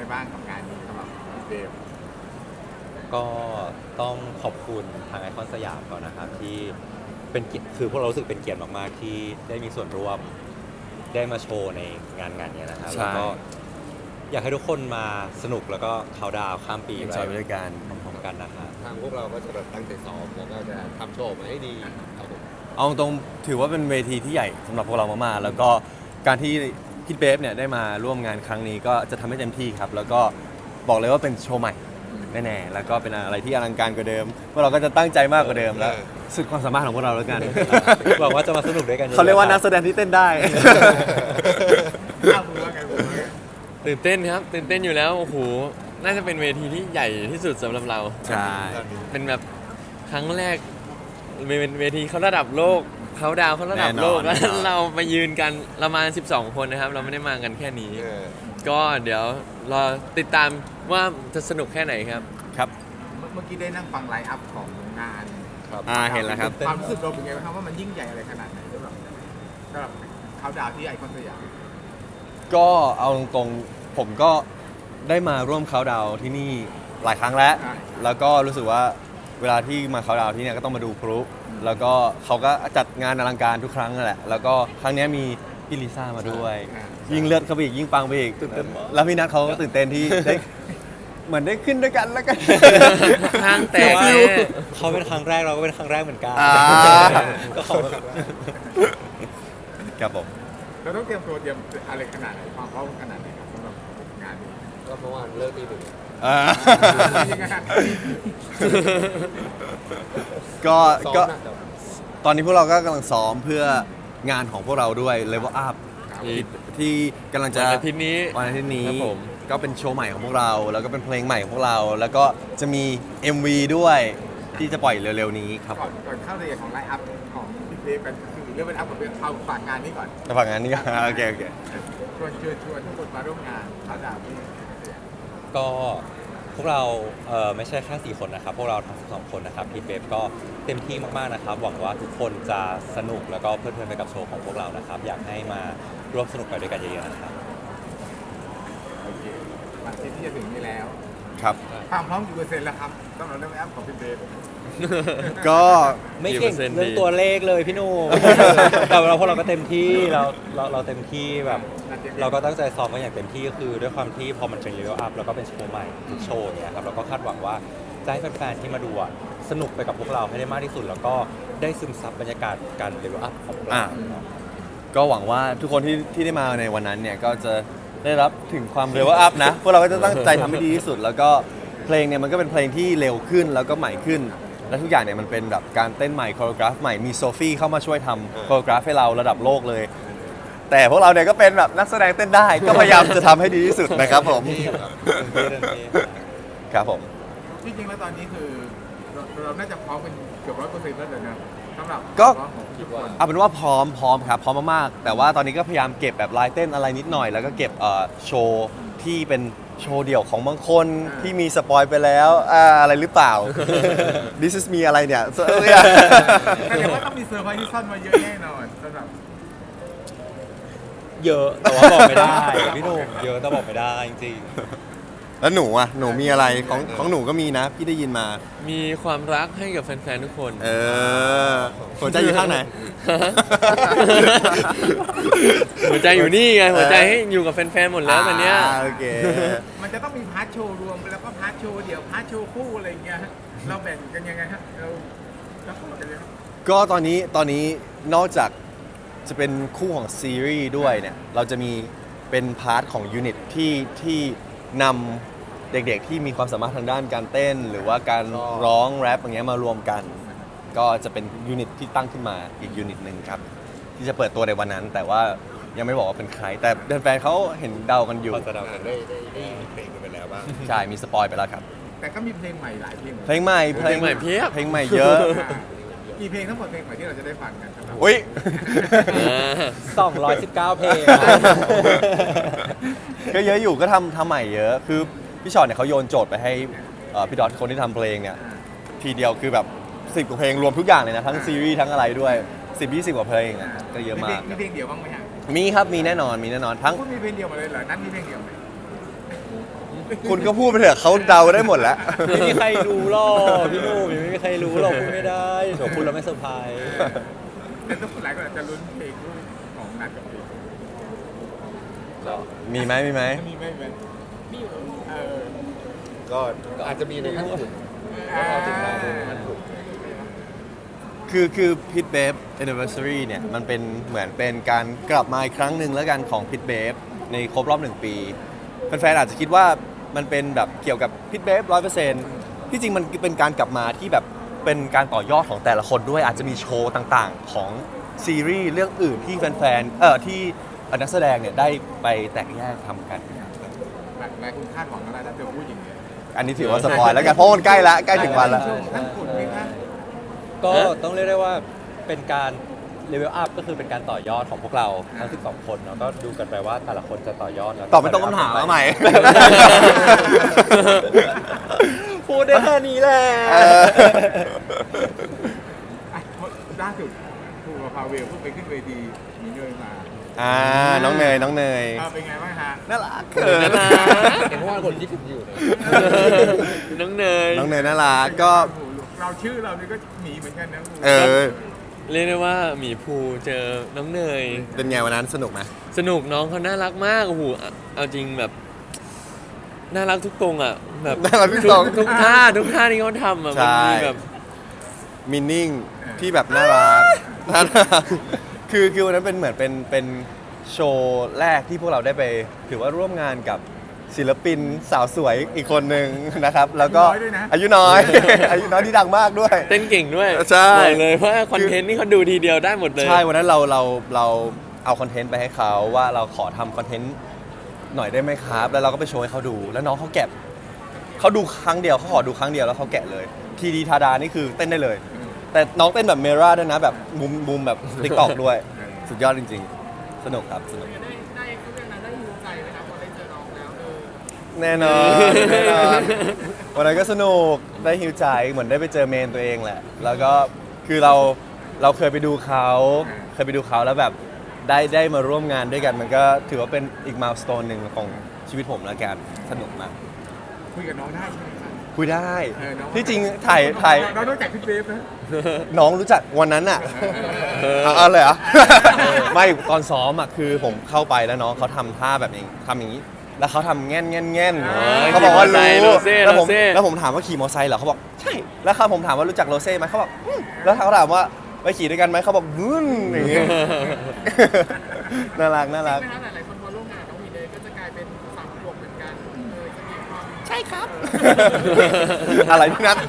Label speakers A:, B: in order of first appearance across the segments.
A: บ้างกับงานนี้สำหรับพี่เบม
B: ก็ต้องขอบคุณทางไอคอนสยามก่อนนะครับที่เป็นเกียรติคือพวกเรารู้สึกเป็นเกียรติมากๆที่ได้มีส่วนร่วมได้มาโชว์ในงานนี้นะครับแล้วก็อยากให้ทุกคนมาสนุกแล้วก็เขาน์ดาวน์ข้ามปี
C: จอยไปด้วยกัน
B: พร้อมๆกันนะครับ
D: ทางพวกเราก็จะแบบตั้งใจซ้อมแล้วก็จะทำโชว์ออกมาให้ดีครับผม
C: เอาตรงถือว่าเป็นเวทีที่ใหญ่สำหรับพวกเรามากๆแล้วก็การที่พี่เบฟเนี่ยได้มาร่วมงานครั้งนี้ก็จะทำให้เต็มที่ครับแล้วก็บอกเลยว่าเป็นโชว์ใหม่แน่ๆแล้วก็เป็นอะไรที่อลังการกว่าเดิมพวกเราก็จะตั้งใจมากกว่าเดิมแล้วสุดความสามารถของพวกเราแล้วกัน
B: หวังว่าจะมาสนุกด้วยกัน
C: เขาเรียกว่านักแสดงที่เต้นได้
A: อ้าวคุณว่าไงคุณว่าไง
E: ตื่นเต้นครับตื่นเต้นอยู่แล้วโอ้โหน่าจะเป็นเวทีที่ใหญ่ที่สุดสำหรับเรา
C: ใช่
E: เป็นแบบครั้งแรกเป็นเวทีเขาระดับโลกเขาดาวเขาระดับโลกแล้วเรามายืนกันเรามา12 คนนะครับ เราไม่ได้มากันแค่นี้ ก็เดี๋ยวรอติดตามว่าจะสนุกแค่ไหนครับ
C: ครับ
A: เมื่อกี้ได้นั่งฟังไลฟ์อัพของงาน
C: เห็นแล้วครับ
A: ความรู้สึกเราเป็นไงบ้างครับว่ามันยิ่งใหญ่อะไรขนาดไหนสำหรับเขาดาวน์ที่ไอคอนสยาม
C: ก็เอาตรงๆผมก็ได้มาร่วมเขาน์ดาวน์ที่นี่หลายครั้งแล้ว แล้วก็รู้สึกว่าเวลาที่มาเขาน์ดาวน์ที่เนี่ยก็ต้องมาดูพลุแล้วก็เขาก็จัดงานอลังการทุกครั้งนั่นแหละแล้วก็ครั้งนี้มีพี่ลิซ่ามาด้วย ยิ่งเลือดเข้าไปอีกยิ่งปังไปอีกแล้วพี่นัทเขาก็ตื่นเต้นที่ได้เหมือนได้ขึ้นด้วยกันแล้วกัน
E: ห้างแตก
B: ว่า
E: แน่
B: เขาเป็นครั้งแรกเราก็เป็นครั้งแรกเหมือนกัน
C: อ่า
B: ก็ขอบคุณ
C: ครับผม
A: เราต้องเตรียมตัวเตรียมอะไรขนาดไหนความพร้อมขนาดไหนครับสำหรับงานนี้
D: ก็เมื่อวานเลิกตีหนึ่ง
A: ยังไงฮะ
C: ก็
D: ซ้อม
C: ก็
D: หนักกับ
C: ตอนนี้พวกเราก็กำลังซ้อมเพื่องานของพวกเราด้วย Level Up ที่กำลังจะ
E: วันอาทิตย์นี้
C: วันอาทิตย์นี้
E: ครับผม
C: ก็เป็นโชว์ใหม่ของพวกเรา แล้วก็เป็นเพลงใหม่ของพวกเรา แล้วก็จะมี MV ด้วยที่จะปล่อยเร็วๆนี้ครับ
A: ก่อนเข้ารายละเอียดของไลฟ์อัพของพี่เบมกันคือเรื่องเป็นอัพกับเอาฝากงานนี้ก่อน
C: จะฝากงานนี้ก็ โอเคโอเค
A: ชวนทุกคนมาร่วมงานเขาดาวน์ที่
B: ก็พวกเราไม่ใช่แค่4 คนนะครับ พวกเราทั้ง12 คนนะครับพี่เบฟก็เต็มที่มากๆนะครับ หวังว่าทุกคนจะสนุกแล้วก็เพลิดเพลินไปกับโชว์ของพวกเรานะครับ อยากให้มาร่วมสนุกไปด้วยกันเยอะๆนะครับ
A: โอเควันอาทิตย์ที่จะถึงนี้แล้ว
C: ครับ
A: ความพร้อมกี่เปอร์เซ็นต์แล้วครับสำหรับเรื่องแอปของพี่เบม
C: ก็
B: ไม่เก่ง
E: กี่เปอร์เซ็นต์
B: เรื่อง
E: ดี
B: ตัวเลขเลยพี่หนุ่ม แต่เราพวกเราก็เต็มที่เราเต็มที่แบบ เราก็ตั้งใจซ้อมกันอย่างเต็มที่ก็คือด้วยความที่พอมันเป็นเลเวลอัพแล้วก็เป็นโชว์ใหม่ทุกโชว์เนี่ยครับเราก็คาดหวังว่าจะให้แฟนๆที่มาดูอะสนุกไปกับพวกเราให้ได้มากที่สุด แล้วก็ได้ซึมซับบรรยากาศการเลเวลอัพของพวกเรา
C: ก็หวังว่าทุกคนที่ได้มาในวันนั้นเนี่ยก็จะได้รับถึงความเร็วอัพนะ พวกเราก็จะตั้งใจทำให้ดีที่สุด แล้วก็เพลงเนี่ยมันก็เป็นเพลงที่เร็วขึ้นแล้วก็ใหม่ขึ้น และทุกอย่างเนี่ยมันเป็นแบบการเต้นใหม่โคโรกราฟใหม่มีโซฟี่เข้ามาช่วยทำโคโรกราฟให้เราระดับโลกเลย แต่พวกเราเนี่ยก็เป็นแบบนักแสดงเต้นได้ ก็พยายามจะทำให้ดีที่สุดนะครับผม ครับผม
A: ที่จริงแล้วตอนนี้คือเราน่าจะพร้อมเป็นเกือบ100%แล้วเลยนะสำหรับ
C: ก็
A: ความพร้อมของทุกคน
C: เอาเป็นว่าพร้อมครับพร้อมมากๆแต่ว่าตอนนี้ก็พยายามเก็บแบบลายเต้นอะไรนิดหน่อย แล้วก็เก็บโชว์ที่เป็นโชว์เดี่ยวของบางคนที่มีสปอยไปแล้วอะไรหรือเปล่า This is me อะไรเนี่ย
A: แสดงว่าต้องมีเซอร์ไพรส์ที่ซ่อนมาเยอะแน่นอนสำหรับ
B: เยอะแต่ว่าบอกไม่ได้พี่หนุ่มเยอะแต่บอกไม่ได้จริง
C: แล้วหนูอ่ะหนูมีอะไรของหนูก็มีนะ พี่ได้ยินมา
E: มีความรักให้กับแฟนๆทุกคน
C: หัวใจอยู่ข้างไหน
E: หัวใจอยู่นี่ไงหัวใจให้อยู่กับแฟนๆหมดแล้วตอนเนี้ย
C: โอเค
A: มันจะต้องมีพาร์ทโชว์รวมแล้วก็พาร์ทโชว์เดี่ยวพาร์ทโชว์คู่อะไรอย่างเงี้ยฮะเราแบ่งกันยังไงฮะเราพูดกันเลยครับ
C: ก็ตอนนี้นอกจากจะเป็นคู่ของซีรีส์ด้วยเนี่ยเราจะมีเป็นพาร์ทของยูนิตที่นำเด็กๆที่มีความสามารถทางด้านการเต้น หรือว่าการร้องแรปอย่างเงี้ยมารวมกัน ก็จะเป็นยูนิตที่ตั้งขึ้นมาอีกยูนิตหนึ่งครับ ที่จะเปิดตัวในวันนั้น แต่ว่ายังไม่บอกว่าเป็นใคร แต่แฟนๆเขาเห็นเดากันอยู่
B: ๆพอจะเดากัน
D: ได้เพลงกันไปแล้วบ้าง
C: ใช่มีสปอยไปแล้วครับ
A: แต่ก็มีเพลงใหม่หลายเพลง
C: เพลงใหม่
E: เพลงใหม่เพียบ
C: เพลงใหม่เยอะ
A: กี่เพลงทั้งหมดเพลงใหม่ที่เราจะได้ฟังกันครับ
C: อุ้ย
B: 219 เพลง
C: ก็เยอะอยู่ก็ทำใหม่เยอะ คือพี่ชอตเนี่ยเขาโยนโจทย์ไปให้พี่ดอทคนที่ทำเพลงเนี่ยทีเดียวคือแบบ10 กว่าเพลงรวมทุกอย่างเลยนะ ทั้งซีรีส์ทั้งอะไรด้วย 10-20 กว่าเพลงอะก็เยอะมาก
A: มีเพลงเดียวบ้างไหมฮะ
C: มีครับมีแน่นอนทั้ง
A: พูดมีเพลงเดียวมาเลยเหรอนั้นมีเพลงเดียวไหม
C: คุณก็พูดไปเถอะเขาเดาได้หมดแล้ว
B: ไม่มีใครรู้หรอกพี่หนุ่มยังไม่มีใครรู้หรอกพูดไม่ได้เดี๋ยวพูดแล้วไม่เซอร์ไพรส์
A: แต่ทุกคนหลายคนอาจจะลุ้นเพลงด้วยของนัดกับเพลง
C: มีไหมมีไหม
A: มีไหมมีเออ
D: ก็อาจจะมีในขั้นขุนก็รอติดตามดูในขั้นขุน
C: คือพิทเบฟ anniversary เนี่ยมันเป็นเหมือนเป็นการกลับมาอีกครั้งหนึ่งแล้วกันของพิทเบฟในครบรอบ 1 ปีแฟนๆอาจจะคิดว่ามันเป็นแบบเกี่ยวกับพิทเบฟ100%ที่จริงมันเป็นการกลับมาที่แบบเป็นการต่อยอดของแต่ละคนด้วยอาจจะมีโชว์ต่างๆ ของซีรีส์เรื่องอื่นที่แฟนๆที่นักแสดงเนี่ยได้ไปแตกแยกทำกัน
A: หลายคนคาดหวังอะไรถ้าเธอพูดอย่างนี้
C: อันนี้ถือว่าสปอยแล้วกันเพราะมันใกล้ละใกล้ถึงวันละ
A: ทั้งขุนไหมคะ
B: ก็ต้องเรียกได้ว่าเป็นการเลเวลอัพก็คือเป็นการต่อยอดของพวกเราทั้ง 12 คนเนาะก็ดูกันไปว่าแต่ละคนจะต่อยอดแล้ว
C: ตอบไม่ต้องคำถามเอาใหม่
B: พูดได้แค่นี้แหละ
A: ล่าสุดครูกับพาเวลเพิ่งไปขึ้นเวทีมีเนยมา
C: น้องเนย
A: เป็นไงบ้างฮะ
C: น่ารักเขิน
E: น่ารัก
D: เห็นว่าคนคิดถึงอยู่นะ
E: น้องเนย
C: น้องเนยน่ารักก็
A: เราชื่อเรานี่ก็หมีเหมือนกันนะ
C: เออ
E: เรียกได้ว่าหมีภูเจอน้องเนย
C: เป็นไงวันนั้นสนุกไหม
E: สนุกน้องเขาน่ารักมากโอ้โหเอาจริงแบบน่ารักทุกตรงอ่ะแบบ
C: น่ารักทุกตรง
E: ทุกท่าที่เขาทำอ่ะ
C: ใช่
E: มันมีแบบ
C: มินนิ่งที่แบบน่ารักน่ารักคือวันนั้นเป็นเหมือนเป็นโชว์แรกที่พวกเราได้ไปถือว่าร่วมงานกับศิลปินสาวสวยอีกคนหนึ่งนะครับ แล้วก็อายุน้อย อายุน้อยที่ดังมากด้วย
E: เต้นเก่งด้วย
C: ใช่
E: บอกเลยว่าคอนเทนต์นี่เขาดูทีเดียวได้หมดเลย
C: ใช่ วันนั้นเราเอาคอนเทนต์ไปให้เขาว่าเราขอทำคอนเทนต์หน่อยได้ไหมครับ แล้วเราก็ไปโชว์ให้เขาดู แล้วน้องเขาแกะเขาดูครั้งเดียวเขาขอดูครั้งเดียวแล้วเขาแกะเลย ทีดีทาดานี่คือเต้นได้เลย แต่น้องเต้นแบบเมราด้วยนะแบบมุมแบบติ๊กตอกด้วย สุดยอดจริงๆ สนุกครับสนุกแน่นอนแน่นอนวันนั้นก็สนุกได้ฮิวใจเหมือนได้ไปเจอเมนตัวเองแหละ แล้วก็คือเราเคยไปดูเขาแล้วแบบได้มาร่วมงานด้วยกัน มันก็ถือว่าเป็นอีกมายสโตนหนึ่งของชีวิตผมแล้วกันสนุกมาก
A: คุยกับน้องได้ใช่ไหมครับ
C: คุยได้
A: น้อง
C: ที่จริงถ่าย
A: เราต้องจากพี่เบฟนะ
C: น้องรู้จักวันนั้นอ่ะเอาเลยเหรอ ไม่ตอนซ้อมอ่ะคือผมเข้าไปแล้วน้องเขาทำท่าแบบนี้ทำอย่างนี้ แล้วเขาทำแง่นเขาบอกว่ารู้แล้วผมถามว่าขี่มอเตอร์ไซค์เหรอเขาบอกใช่แล้วผมถามว่ารู้จักโรเซ่ไหมเขาบอกแล้วเขาถามว่าไปขี่ด้วยกันไหมเขาบอกอย่างงี้ น่ารัก
F: หลายคนพอร่วมงานน้องหมีเนยก็จะกลายเป็นสาวบวกเหมือนกันจะมีความ
C: ใช่ครับ อะไรพี่นัท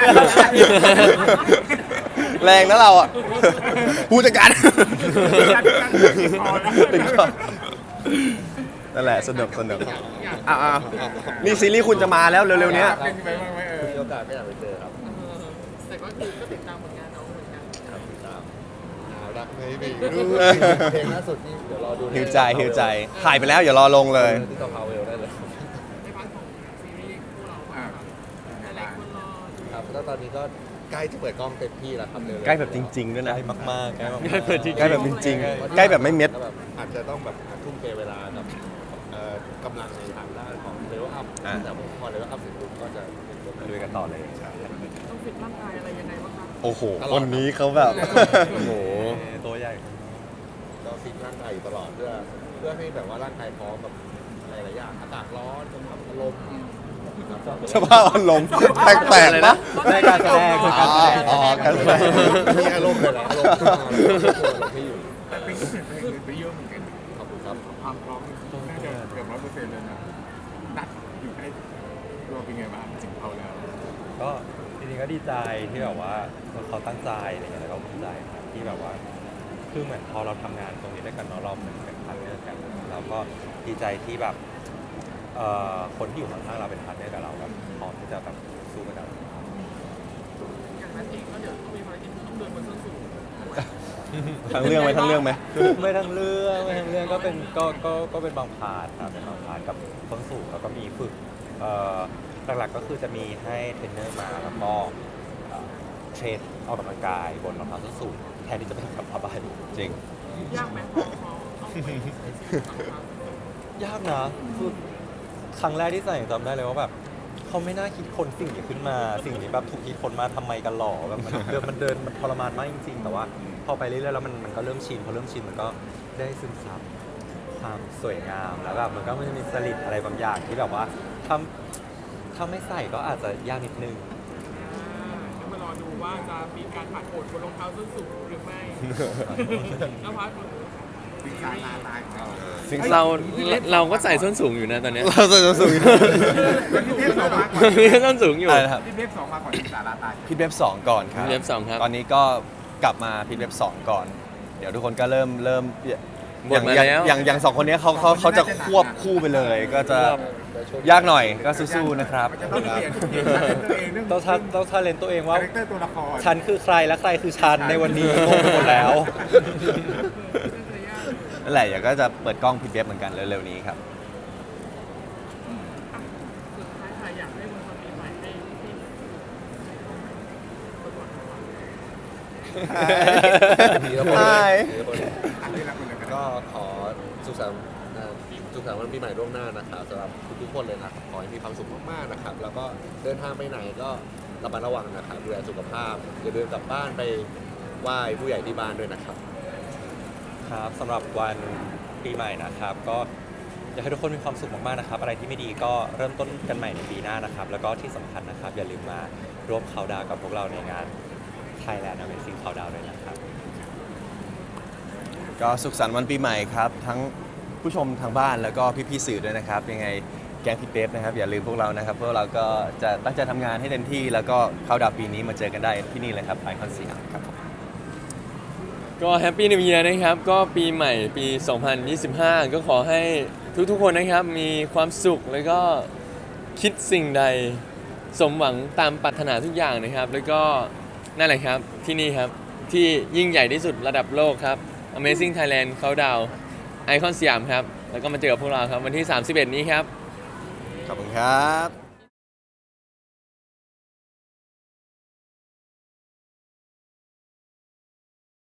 C: แรงนะเราอ่ะผู้จัดการติดคอนั่นแหละสนุกนี่ซีรีส์คุณจะมาแล้วเร็วๆเนี้ย
A: เป็นไปบ้างไหม
D: มีโอกาสก็อยากไปเจอครับ
F: แต่ก็คือก็ติดตามผลงานน้องเหมือนกัน
D: ครับติดตามน่ารักไหมพี่เพลงล่าสุดนี่เดี๋ยวรอดู
C: หิวใจถ่ายไปแล้วอย่ารอลงเลย
D: ที่ต่อพาวเวลได้เลย
F: ในพาร์ทของซีรีส์คู่เราหลายคนรอดู
D: ครับแล้วตอนนี้ก็ใกล้จะเปิดกล้องเต็มที่แล้วครับเร็วๆ
C: ใกล้แบบจริงๆด้วยนะ
B: ใกล้มากๆใกล้มากๆ
E: ใกล้เปิดจริง
C: ใกล้แบบจริงๆใกล้แบบไม่เม็ด
D: แล้วแบบอาจจะต้องแบบทุ่มเทเวลากับกำลังในทางด้านของเลเวลอัพแต่พอเลเวลอัพเสร็จปุ๊บก็จะเป็นตัว
B: ลุยกันต่อเลย
F: ต้องฟิตร่างกายอะไรยังไงบ้างคะ
C: โอ้โหคนนี้เขาแบบ
E: โอ้โห
B: ตัวใหญ่
D: ก็ฟิตร่างกายอยู่ตลอดเพื่อให้แบบว่าร่างกายพร้อมแบบหลายๆอย่างอากาศร้อนสภาพอารมณ์
C: สภาพอารมณ์แปลกๆนะ
B: ในการแสดงคือการแสดง
C: อ๋อการแสดง
D: มีอารมณ์เลยแหละอารมณ์ขึ้นมาแล้วก็ตัวเราที่อยู่
A: แต่เป็นก็เปลี่ยนไปเยอะเหมือนกัน
D: ขอบคุณครับ
A: ความพร้อมน่าจะเกือบ100%เลยนะนัดอยู่ใกล้ตัวเป็นไงบ้างถึงเขาแล้ว
B: ก็จริงๆก็ดีใจที่แบบว่าเขาตั้งใจอะไรเงี้ยแล้วก็ภูมิใจครับที่แบบว่าคือเหมือนพอเราทำงานตรงนี้ด้วยกันเนาะเราเหมือนเป็นพาร์ทเนอร์กันเราก็ดีใจที่แบบคนที่อยู่ข้างๆเราเป็นพาร์ทเนอร์กับเราแบบพร้อมที่จะแบบสู้กับเรา
F: อย่างนั้นเองก็เดี๋ยวต้องมีภารกิจต้องเดินบนส้นสูง
C: ทั้งเรื่องไหม
B: ไม่ทั้งเรื่องก็เป็นก็เป็นบางพาร์ทครับเป็นบางพาร์ทกับต้นสูงแล้วก็มีฝึกหลักๆก็คือจะมีให้เทรนเนอร์มาแล้วก็เทรนออกกำลังกายบนรองเท้าส้นสูงแทนที่จะเป็นกับผ้าใบจริง
F: ยากไหมพอต้องไปใช้ชีวิตต่าง
B: ยากนะคือครั้งแรกที่ใส่จำได้เลยว่าแบบเขาไม่น่าคิดคนสิ่งนี้ขึ้นมา สิ่งนี้แบบถูกคิดคนมาทำไมกันหรอแบบมันทรมานมากจริงๆ แต่ว่าพอไปเรื่อยๆแล้วมันก็เริ่มชินพอเริ่มชินมันก็ได้ซึมซับความสวยงามแล้วแบบมันก็จะมีจริตอะไรบางอย่างที่แบบว่าถ้าไม่ใส่ก็อาจจะยากนิดนึง
F: เดี๋ยวมารอดูว่าจะมีการผัดโผดบนรองเท้าส้นสูงหรือไม่แล้วพัด
A: สิงสาราตายของเรา
E: เราก็ใส่ส้นสูงอยู่นะตอนเนี้ย
C: เราจะสูง
A: พี่เทพสองมาก่อน
E: มีส้นสูงอยู่
C: อะไรนะครับ
A: พี่เทพสองมาก่อนสิงสาราตาย
C: พิทเว็บ2ก่อนครับ
E: พิทเว็บ2ครับ
C: ตอนนี้ก็กลับมาพิทเว็บ2ก่อน เดี๋ยวทุกคนก็เริ่ม
E: หมดมาแล้ว
C: อย่างสองคนนี้เขาจะควบคู่ไปเลย ก็จะยากหน่อยก็สู้ๆนะครับ
A: มันจะต้องเปลี่ยนตัวเองเรื่อง
B: ต้องทาเลนตัวเองว่า
A: คาแรคเตอร์ตัวละคร
B: ฉันคือใครและใครคือฉันในวันนี้งงไปหมดแล้ว
C: นั่นแหละเดี๋ยวก็จะเปิดกล้องพิทเว็บเหมือนกันเร็วๆนี้ครับ
F: สุดท้ายค่ะอยากให้วันปีใหม่ให้ที่
A: อันนี้ละคนเลย
D: ก็ขอสุขสันต์วันปีใหม่ล่วงหน้านะครับสำหรับทุกๆคนเลยนะครับขอให้มีความสุขมากๆนะครับ แล้วก็เดินทางไปไหนก็ระมัดระวังนะครับดูแลสุขภาพอย่าเดินกลับบ้านไปไหว้ผู้ใหญ่ที่บ้านด้วยนะครับ
B: ครับสำหรับวันปีใหม่นะครับ ก็อยากให้ทุกคนมีความสุขมากๆนะครับ อะไรที่ไม่ดีก็เริ่มต้นกันใหม่ในปีหน้านะครับ แล้วก็ที่สำคัญนะครับ อย่าลืมมาร่วมเขาน์ดาวน์กับพวกเราในงาน Thailand Amazing Countdown ด้วยนะครับ
C: ก็สุขสันต์วันปีใหม่ครับ ทั้งผู้ชมทางบ้านแล้วก็พี่ๆสื่อด้วยนะครับ ยังไงแก๊งพี่เป๊ปนะครับ อย่าลืมพวกเรานะครับพวกเราก็จะตั้งใจทำงานให้เต็มที่ แล้วก็เข้าดาวน์ปีนี้มาเจอกันได้ที่นี่เลยครับไอคอนสยามครับผม
E: ก็แฮปปี้นิว e ย r นะครับ ก็ปีใหม่ปี 2025 ก็ขอให้ทุกๆคนนะครับ มีความสุขแล้วก็คิดสิ่งใดสมหวังตามปรารถนาทุกอย่างนะครับ แล้วก็นั่นแหละครับที่นี่ครับ ที่ยิ่งใหญ่ที่สุดระดับโลกครับ Amazing Thailand Countdown ไอคอนสยามครับ แล้วก็มาเจอกับพวกเราครับวันที่ 31 นี้ครับ
C: ขอบคุณครับ